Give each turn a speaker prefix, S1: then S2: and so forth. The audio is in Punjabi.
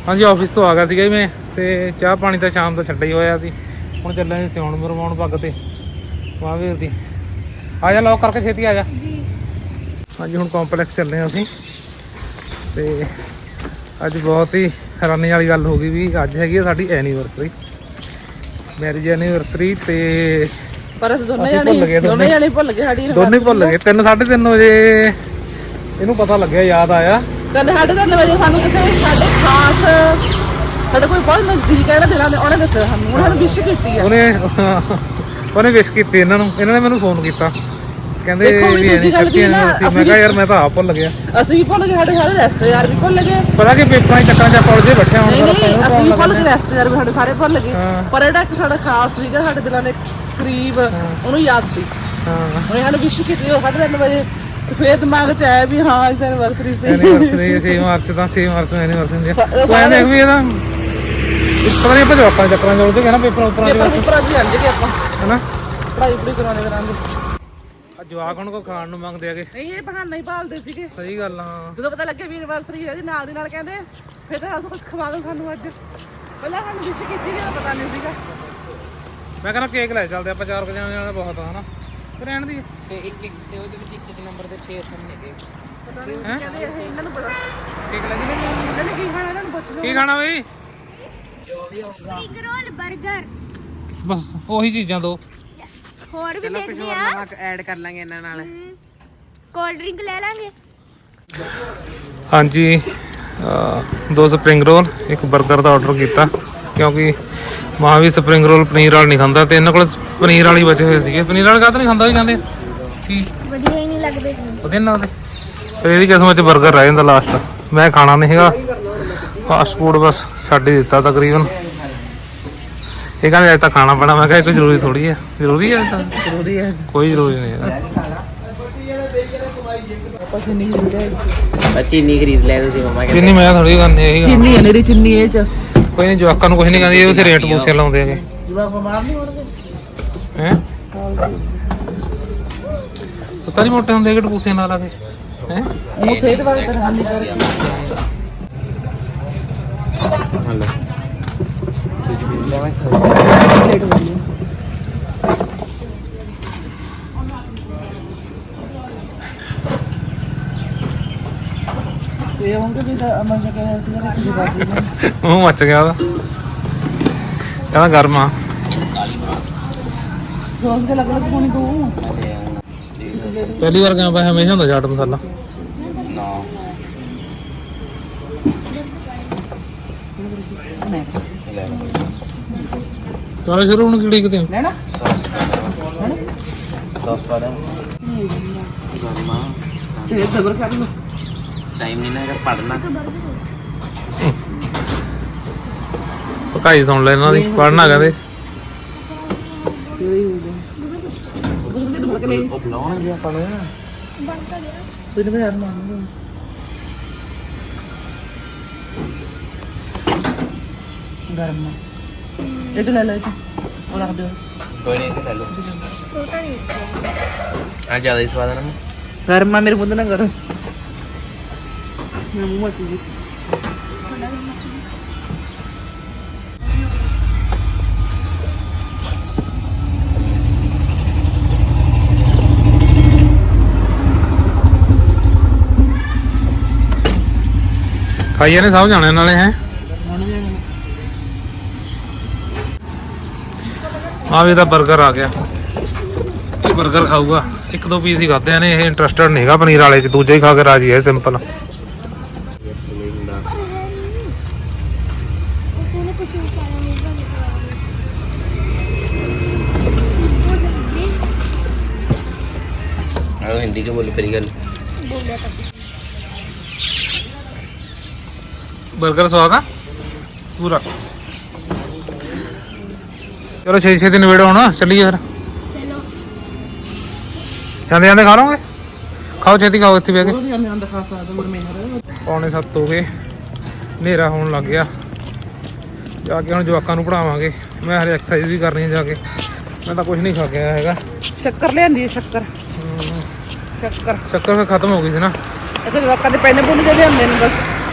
S1: ਹਾਂਜੀ ਆਫਿਸ ਤੋਂ ਆ ਗਿਆ ਸੀਗਾ ਜੀ ਮੈਂ, ਤੇ ਚਾਹ ਪਾਣੀ ਤਾਂ ਸ਼ਾਮ ਦਾ ਛੱਡਿਆ ਹੀ ਹੋਇਆ ਸੀ। ਹੁਣ ਚੱਲਾਂਗੇ ਸਿਉਣ ਮਰਵਾਉਣ ਪੱਗ ਤੇ ਮਹਾਂਵੀਰ ਦੀ। ਆ ਜਾ ਲੌਕ ਕਰਕੇ ਛੇਤੀ ਆ ਜਾ ਜੀ। ਹਾਂਜੀ ਹੁਣ ਕੰਪਲੈਕਸ ਚੱਲੇ ਹਾਂ ਅਸੀਂ, ਤੇ ਅੱਜ ਬਹੁਤ ਹੀ ਹੈਰਾਨੀ ਵਾਲੀ ਗੱਲ ਹੋ ਗਈ ਵੀ ਅੱਜ ਹੈਗੀ ਆ ਸਾਡੀ ਐਨੀਵਰਸਰੀ, ਮੈਰਿਜ ਐਨੀਵਰਸਰੀ। ਤੇ
S2: ਪਰ ਅਸੀਂ ਦੋਨੇ ਜਾਣੇ ਭੁੱਲ ਗਏ ਸਾਡੀ,
S1: ਦੋਨੇ ਭੁੱਲ ਗਏ। 3-3:30 ਵਜੇ ਇਹਨੂੰ ਪਤਾ ਲੱਗਿਆ, ਯਾਦ ਆਇਆ
S2: 3:30 ਵਜੇ ਸਾਨੂੰ ਕਿਸੇ ਸਾਡੇ ਖਾਸ ਸਾਡੇ ਕੋਈ ਬਹੁਤ ਨਜ਼ਦੀਕ ਹੈ ਦਿਲਾਂ ਦੇ, ਉਹਨੇ ਦੱਸਿਆ ਸਾਨੂੰ, ਉਹਨਾਂ ਨੇ ਵਿਸ਼ ਕੀਤੀ ਆ।
S1: ਉਹਨੇ ਵਿਸ਼ ਕੀਤੀ ਇਹਨਾਂ ਨੇ ਮੈਨੂੰ ਫੋਨ ਕੀਤਾ, ਕਹਿੰਦੇ ਵੀ ਮੈਂ ਕਿਹਾ ਯਾਰ ਮੈਂ ਤਾਂ ਆਪ ਭੁੱਲ ਗਿਆ।
S2: ਅਸੀਂ ਵੀ ਭੁੱਲ ਗਏ, ਸਾਡੇ ਸਾਰੇ ਰਿਸ਼ਤੇਦਾਰ ਵੀ ਭੁੱਲ ਗਏ।
S1: ਪਤਾ ਕਿ ਪੇਪਰਾਂ ਚ ਚੱਕਰਾਂ ਚ ਆਪਾਂ ਉਲਝੇ ਬੈਠੇ ਹੁਣ।
S2: ਅਸੀਂ ਵੀ ਭੁੱਲ ਗਏ, ਰਿਸ਼ਤੇਦਾਰ ਵੀ ਸਾਡੇ ਸਾਰੇ ਭੁੱਲ ਗਏ, ਪਰ ਜਿਹੜਾ ਇੱਕ ਸਾਡਾ ਖਾਸ ਸੀਗਾ ਸਾਡੇ ਦਿਲਾਂ ਦੇ ਕਰੀਬ, ਉਹਨੂੰ ਯਾਦ ਸੀ। ਉਹਨੇ ਸਾਨੂੰ ਵਿਸ਼ ਕੀਤੀ 3:30 ਵਜੇ। ਫੇਰ ਦਿਮਾਗ ਚ ਆਇਆ ਵੀ ਹਾਂ ਅੱਜ ਐਨੀਵਰਸਰੀ ਸੀ।
S1: 6 ਮਾਰਚ ਦਾ 6 ਮਾਰਚ ਨੂੰ ਐਨੀਵਰਸਰੀ ਸੀ। ਤੂੰ ਐਂ ਦੇਖ ਵੀ ਇਹਦਾ ਪਤਾ ਨਹੀਂ ਆਪਾਂ ਜਵਾਕਾਂ ਚੱਕਰਾਂ ਚ ਉਲਝੇ ਗਏ ਨਾ, ਪੇਪਰਾਂ
S2: ਚ ਜਾਂਦੇ ਆਪਾਂ
S1: ਹਨਾ,
S2: ਪੜ੍ਹਾਈ ਪੜ੍ਹਾਈ ਕਰਾਉਂਦੇ।
S1: ਜਵਾਕ ਹੁਣ ਕੋ ਖਾਣ ਨੂੰ ਮੰਗਦੇ ਆਗੇ।
S2: ਨਹੀਂ ਇਹ ਬਹਾਨਾ ਹੀ ਭਾਲਦੇ ਸੀਗੇ।
S1: ਸਹੀ ਗੱਲ ਆ।
S2: ਜਦੋਂ ਪਤਾ ਲੱਗਿਆ ਵੀ ਐਨੀਵਰਸਰੀ ਹੈ ਜੀ, ਨਾਲ ਦੀ ਨਾਲ ਕਹਿੰਦੇ ਫਿਰ ਤਾਂ ਕੁਝ ਖਵਾ ਦੋ ਸਾਨੂੰ ਅੱਜ। ਪਹਿਲਾਂ ਸਾਨੂੰ ਵਿਸ਼ ਕੀਤੀ ਵੀ ਪਤਾ ਨਹੀਂ ਸੀਗਾ।
S1: ਮੈਂ ਕਹਿੰਦਾ ਕੇਕ ਲੈ ਚੱਲਦੇ ਆਪਾਂ, 4 ਜਣੇ ਨਾਲ ਬਹੁਤ ਆ ਹਨਾ, ਰਹਿਣ ਦੀ।
S3: ਤੇ ਇੱਕ ਤੇ ਉਹਦੇ ਵਿੱਚ ਇੱਕ ਨੰਬਰ ਦੇ 6 ਸਾਹਮਣੇ ਗਏ।
S2: ਪਤਾ ਨਹੀਂ ਕਹਿੰਦੇ ਇਹਨਾਂ ਨੂੰ ਪਤਾ
S1: ਕੇਕ ਲੈ ਜੀ।
S2: ਇਹਨਾਂ ਨੇ ਕੀ ਖਾਣਾ, ਇਹਨਾਂ ਨੂੰ ਪੁੱਛ ਲਓ
S1: ਕੀ ਖਾਣਾ ਬਈ?
S4: ਸਪਰਿੰਗ ਰੋਲ 버ਗਰ,
S1: ਬਸ ਉਹੀ ਚੀਜ਼ਾਂ ਦੋ।
S4: ਹੋਰ ਵੀ ਦੇਖਦੇ ਆ,
S3: ਨਵਾਂ ਐਡ ਕਰ ਲਾਂਗੇ ਇਹਨਾਂ ਨਾਲ।
S4: ਕੋਲਡ ਡਰਿੰਕ ਲੈ ਲਾਂਗੇ।
S1: ਹਾਂਜੀ 2 ਸਪਰਿੰਗ ਰੋਲ, ਇੱਕ 버ਗਰ ਦਾ ਆਰਡਰ ਕੀਤਾ ਕਿਉਂਕਿ ਮਾਂ ਵੀ ਸਪਰਿੰਗ ਰੋਲ ਪਨੀਰ ਵਾਲ ਨਹੀਂ ਖਾਂਦਾ, ਤੇ ਇਹਨਾਂ ਕੋਲ ਪਨੀਰ ਵਾਲੀ ਬਚੇ ਹੋਏ ਸੀਗੇ। ਪਨੀਰ ਵਾਲ ਕਾਹਤੋਂ ਨਹੀਂ ਖਾਂਦਾ, ਵੀ ਕਹਿੰਦੇ ਕੀ
S4: ਵਧੀਆ ਹੀ ਨਹੀਂ ਲੱਗਦੇ।
S1: ਵਧੀਆ ਨਹੀਂ ਲੱਗਦੇ। ਫਿਰ ਇਹਦੀ ਕਿਸਮਤ 'ਚ 버ਗਰ ਰਹਿ ਜਾਂਦਾ ਲਾਸਟ। ਮੈਂ ਖਾਣਾ ਨਹੀਂ ਹੈਗਾ ਫਾਸਟ ਫੂਡ, ਬਸ ਛੱਡ ਹੀ ਦਿੱਤਾ ਤਕਰੀਬਨ। ਇਹ ਕਹਿੰਦੇ ਅੱਜ ਤਾਂ ਖਾਣਾ ਪੈਣਾ। ਮੈਂ ਕਿਹਾ ਕੋਈ ਜ਼ਰੂਰੀ ਥੋੜੀ ਹੈ। ਜ਼ਰੂਰੀ ਹੈ ਤਾਂ
S2: ਜ਼ਰੂਰੀ ਹੈ,
S1: ਕੋਈ ਜ਼ਰੂਰੀ ਨਹੀਂ ਹੈਗਾ।
S2: ਆਪਾਂ ਚੀਨੀ ਖਰੀਦ
S3: ਚੀਨੀ ਖਰੀਦ ਲੈ ਤੁਸੀਂ ਮਮਾ
S1: ਚੀਨੀ ਮੈਂ ਥੋੜੀ ਕਰਨੀ ਹੈਗੀ।
S2: ਚੀਨੀ ਹੈ ਮੇਰੀ, ਚੀਨੀ ਇਹ ਚ
S1: ਕੋਈ ਨਹੀਂ, ਜਵਾਕਾਂ ਨੂੰ ਕੁਝ ਨਹੀਂ ਕਹਿੰਦੀ, ਇਹ ਉੱਥੇ ਰੇਟ ਪੂਸੇ ਲਾਉਂਦੇ ਹੈਗੇ।
S2: ਜਵਾਕ ਬਿਮਾਰ ਨਹੀਂ ਹੋਣਗੇ
S1: ਹੈ ਪਤਾ ਨਹੀਂ ਮੋਟੇ ਹੁੰਦੇ ਕਿ ਪੂਸੇ ਨਾਲ ਲਾ ਕੇ ਹੈ।
S2: ਉਹ ਸਿਹਤ ਵਾਸਤੇ ਤਾਂ ਹਾਨੀਕਾਰਕ ਹੈ।
S3: ਹਲੋ
S2: ਇਹ ਹੋਂਗੇ ਵੀ ਤਾਂ ਅਮਨ ਜੀ ਕਹਿੰਦਾ ਸੀਗਾ ਕਿ ਜਵਾਕ
S1: ਮੂੰਹ ਮੱਚ ਗਿਆ ਉਹਦਾ, ਕਹਿੰਦਾ ਗਰਮ ਆ।
S2: ਸੌਸ ਦੇ ਲੱਗ ਲੱਗ ਪਾਣੀ ਤੂੰ
S1: ਪਹਿਲੀ ਵਾਰ ਗਿਆ ਭਾਈ, ਹਮੇਸ਼ਾ ਹੁੰਦਾ ਚਾਟ ਮਸਾਲਾ। ਚਲੋ ਸ਼ੁਰੂ ਹੁਣ ਕਿਹੜੀ ਕਿਤੇ
S2: ਲੈਣਾ
S3: ਸੌਸ ਪਾ ਦੇ ਗਰਮਾ।
S2: ਤੇ ਸਬਰ ਕਰ ਲਓ,
S3: ਟਾਈਮ ਨਹੀਂ ਨਾ ਅਗਰ ਪੜਨਾ।
S1: ਪਕਾਈ ਸੁਣ ਲੈ ਇਹਨਾਂ ਦੀ, ਪੜਨਾ ਕਹਿੰਦੇ।
S3: ਉਹ ਬੁਲਾਉਣਗੇ ਆਪਾਂ ਨੂੰ।
S2: ਤੈਨੂੰ ਯਾਰ ਮਾਰਨਾ ਗਰਮ ਇਹ ਚ ਲੈ ਲੈ, ਉਹ ਰੱਖ ਦਿਓ।
S3: ਕੋਈ ਨਹੀਂ ਖਾ ਲਓ। ਆ ਜ਼ਿਆਦਾ ਹੀ ਸਵਾਦ ਆ ਨਾ।
S2: ਗਰਮ ਆ ਮੇਰੇ ਮੁੰਡੇ ਨਾਲ ਗਰਮ। ਮੈਂ ਮੂੰਹ ਮੱਚ ਗਈ।
S1: ਖਾਈਏ ਨੇ ਸਭ ਜਾਣੇ ਨਾਲੇ ਹੈ। ਆ ਵੀ ਇਹਦਾ 버ਗਰ ਆ ਗਿਆ। ਇਹ 버ਗਰ ਖਾਊਗਾ, 1-2 ਪੀਸ ਹੀ ਖਾਦੇ ਨੇ। ਇਹ ਇੰਟਰਸਟਡ ਨਹੀਂ ਹੈਗਾ ਪਨੀਰ ਵਾਲੇ 'ਚ, ਦੂਜੇ ਹੀ ਖਾ ਕੇ ਰਾਜੀ ਹੈ ਸਿੰਪਲ।
S3: हिंदी के बोले परी गल
S1: 버ਗਰ ਸਵਾਦ ਆ ਪੂਰਾ। ਚਲੋ 6 ਦਿਨ ਵੇੜੋ ਹੁਣ, ਚੱਲੀਏ ਫਿਰ। ਜਾਂਦੇ ਜਾਂਦੇ ਖਾ ਲਓਗੇ? ਖਾਓ ਛੇਤੀ ਖਾਓ, ਇੱਥੇ ਬਹਿ ਕੇ। 6:45 ਹੋ ਗਏ, ਹਨੇਰਾ ਹੋਣ ਲੱਗ ਗਿਆ। ਜਾ ਕੇ ਹੁਣ ਜਵਾਕਾਂ ਨੂੰ ਪੜਾਵਾਂਗੇ। ਮੈਂ ਹਰੇ ਐਕਸਰਸਾਈਜ਼ ਵੀ ਕਰਨੀ ਹੈ ਜਾ ਕੇ। ਮੈਂ ਤਾਂ ਕੁਝ ਨਹੀਂ ਖਾ ਕੇ ਆਇਆ ਹੈਗਾ।
S2: ਸ਼ੱਕਰ ਲਿਆਂਦੀ ਹੈ, ਸ਼ੱਕਰ ਸ਼ੱਕਰ
S1: ਸ਼ੱਕਰ ਫਿਰ ਖਤਮ ਹੋ ਗਈ ਸੀ ਨਾ।
S2: ਅੱਛਾ ਜਵਾਕਾਂ ਦੇ ਪੈਨੇ ਪੁੰਨੇ ਜਿਹੇ ਲਿਆਂਦੇ ਨੇ ਬਸ।